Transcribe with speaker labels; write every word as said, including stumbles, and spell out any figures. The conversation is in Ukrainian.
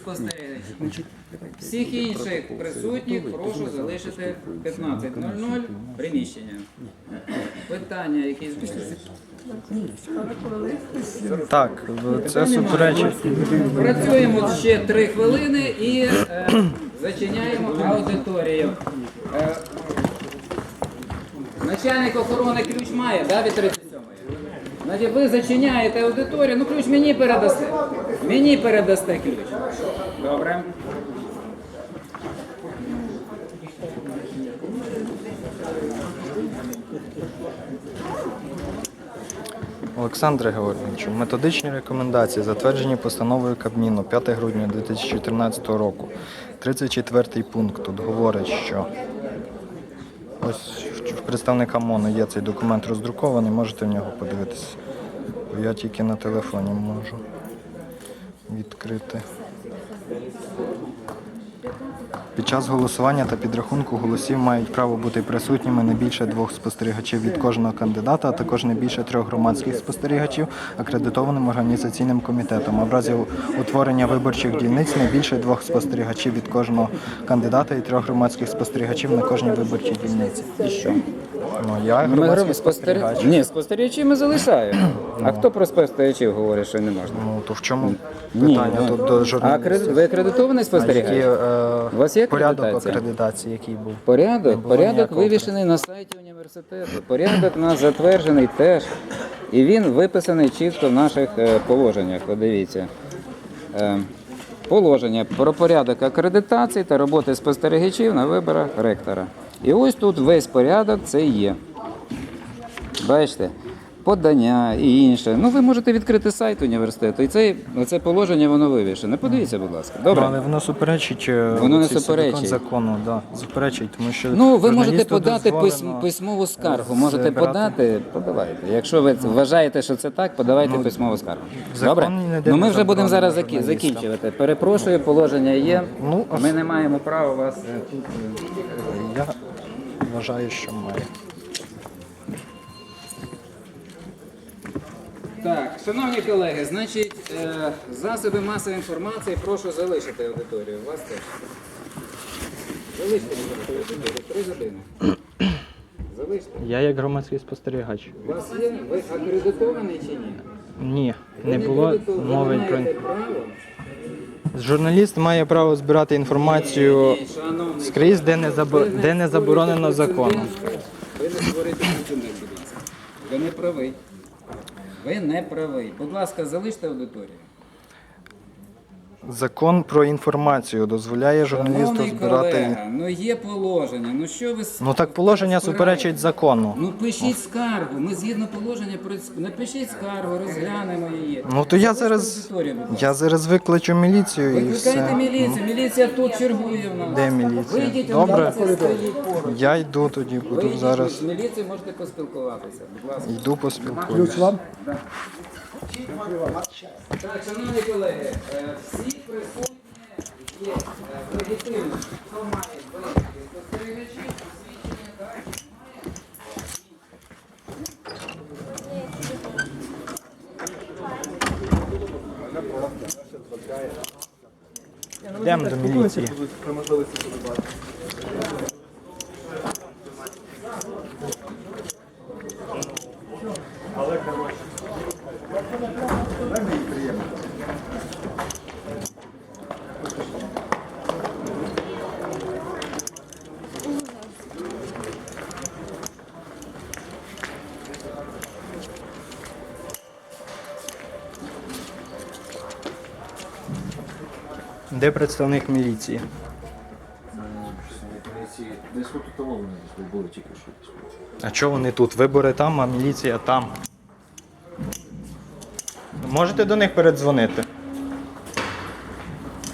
Speaker 1: спостерігачів. Всіх інших присутніх прошу залишити п'ятнадцять нуль нуль приміщення. Питання якісь будуть?
Speaker 2: Так, це суперечить.
Speaker 1: Працюємо ще три хвилини і е, зачиняємо аудиторію. Е, начальник охорони ключ має, да, від тридцять сьомої? Значить, ви зачиняєте аудиторію, ну ключ мені передасте. Мені передасте ключ. Добре.
Speaker 2: Олександре Георгійовичу, методичні рекомендації, затверджені постановою Кабміну п'ятого грудня дві тисячі чотирнадцятого року. тридцять четвертий пункт тут говорить, що ось в представника МОНу є цей документ роздрукований, можете в нього подивитися. Я тільки на телефоні можу відкрити. Під час голосування та підрахунку голосів мають право бути присутніми не більше двох спостерігачів від кожного кандидата, а також не більше трьох громадських спостерігачів, акредитованим організаційним комітетом. А в разі утворення виборчих дільниць не більше двох спостерігачів від кожного кандидата і трьох громадських спостерігачів на кожній виборчій дільниці.
Speaker 1: І що?
Speaker 2: Ну, я громадський спостерігач.
Speaker 1: Ні, спостерігачі ми залишаємо. А хто про спостерігачів говорить, що не можна?
Speaker 2: Ну, то в чому
Speaker 1: Ні,
Speaker 2: питання
Speaker 1: ну,
Speaker 2: тут до
Speaker 1: А
Speaker 2: журналістів?
Speaker 1: акредит- ви акредитований спостерігач?
Speaker 2: Які, е,
Speaker 1: У вас є
Speaker 2: порядок
Speaker 1: акредитація?
Speaker 2: акредитації, який був?
Speaker 1: Порядок?
Speaker 2: Не було
Speaker 1: Порядок
Speaker 2: ніякого
Speaker 1: вивішений на сайті університету. Порядок у нас затверджений теж. І він виписаний чітко в наших е, положеннях. Подивіться. Е, Положення про порядок акредитації та роботи спостерігачів на виборах ректора. І ось тут весь порядок це є. Бачите? Подання і інше. Ну, ви можете відкрити сайт університету, і це, це положення, воно вивішене. Подивіться, будь ласка. Добре?
Speaker 2: Ну, але воно суперечить е,
Speaker 1: Воно не
Speaker 2: цій
Speaker 1: суперечить.
Speaker 2: закону, да, суперечить, тому що
Speaker 1: Ну, ви можете
Speaker 2: журналісту
Speaker 1: подати письм,
Speaker 2: дозволено
Speaker 1: письмову скаргу. Можете
Speaker 2: збирати-
Speaker 1: подати, подавайте. Якщо ви вважаєте, що це так, подавайте письмову скаргу.
Speaker 2: закон
Speaker 1: Добре?
Speaker 2: ніде
Speaker 1: Ну
Speaker 2: не
Speaker 1: ми вже будемо
Speaker 2: заборонено
Speaker 1: зараз закі-
Speaker 2: журналістам.
Speaker 1: закінчувати. Перепрошую, положення є.
Speaker 2: Ну, а
Speaker 1: Ми
Speaker 2: с-
Speaker 1: не маємо права вас е, тут. е,
Speaker 2: Я вважаю, що має.
Speaker 1: Так, шановні колеги, значить, е, засоби масової інформації прошу залишити аудиторію. Вас теж. Залиште аудиторію. Три години. Залиште.
Speaker 2: Я як громадський спостерігач.
Speaker 1: У вас є, ви акредитований чи ні?
Speaker 2: Ні,
Speaker 1: Ви
Speaker 2: не було
Speaker 1: акредитовані, ви
Speaker 2: мови
Speaker 1: не
Speaker 2: про...
Speaker 1: маєте права.
Speaker 2: Журналіст має право збирати інформацію
Speaker 1: Ні, шановний,
Speaker 2: скрізь, де не, забо...
Speaker 1: ви не
Speaker 2: де не заборонено
Speaker 1: створюєте
Speaker 2: законом.
Speaker 1: прецедент. Ви не створюєте прецедент, будь ласка. Ви не правий. Ви не правий. Будь ласка, залиште аудиторію.
Speaker 2: Закон про інформацію дозволяє журналісту
Speaker 1: Шановний
Speaker 2: збирати...
Speaker 1: колега, ну є положення. Ну що ви...
Speaker 2: Ну так положення
Speaker 1: спираєте?
Speaker 2: суперечить закону.
Speaker 1: Ну пишіть скаргу. Ми згідно положення про... Напишіть скаргу, розглянемо її.
Speaker 2: Ну то я
Speaker 1: Залиште
Speaker 2: зараз...
Speaker 1: аудиторію, будь ласка.
Speaker 2: Я зараз викличу міліцію і
Speaker 1: Викликайте
Speaker 2: все.
Speaker 1: міліцію. Міліція тут чергує в нас.
Speaker 2: Де міліція?
Speaker 1: Вийдіть,
Speaker 2: Добре.
Speaker 1: міліція стоїть поруч.
Speaker 2: Я йду тоді, буду
Speaker 1: Вийдіть,
Speaker 2: зараз.
Speaker 1: з міліцією можете поспілкуватися. Будь ласка.
Speaker 2: Йду поспілкуюся.
Speaker 3: вам?
Speaker 1: Так, шановні колеги, е, всі присутні є е, легітимні. Хто має виїзді спостерігачів, посвідчення дачі
Speaker 2: Йдемо до міліції. Де представник міліції?
Speaker 4: Десь от у того вони десь були тільки що.
Speaker 2: А чого вони тут? Вибори там, а міліція там. Можете до них передзвонити?